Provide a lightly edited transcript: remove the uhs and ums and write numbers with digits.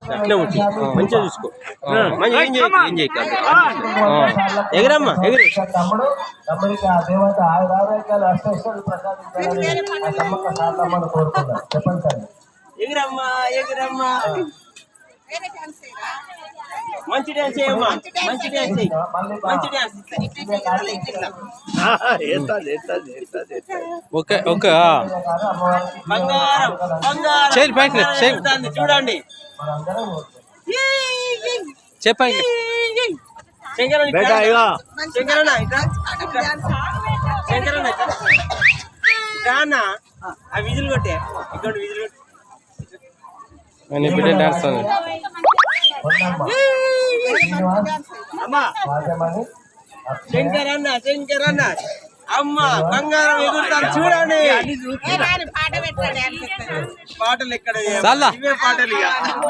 అట్లే వచ్చి మంచిగా చూసుకో మంచిగా ఏం చేయకు ఎగిరమ్మా ఎగిరి తమ్ముడు తమ్ముడికి ఆ దేవత ఆయురారోగ్యాలు అష్టైశ్వర్యాలు ప్రసాదించాలని ఆ సమ్మక్క సారమ్మను కోరుకున్నారు. చెప్పండి సార్. ఎగిరమ్మా ఎగిరమ్మా మంచి డ్యాన్స్ చేయమ్మా మంచి డ్యాన్స్ చేయి మంచి డ్యాన్స్ ఓకే ఓకే బంగారం బంగారం చూడండి చెప్పండి శంకరన్న శంకరన్న శంకరన్న రానా ఆ విజులు కొట్టే ఇక్కడ విజులు బిడ్డ డాన్స్ అమ్మా శంకరన్న శంకరన్న అమ్మ బంగారం ఎగురుతాను చూడండి పాటలు ఎక్కడ ఇవే పాటలు ఇక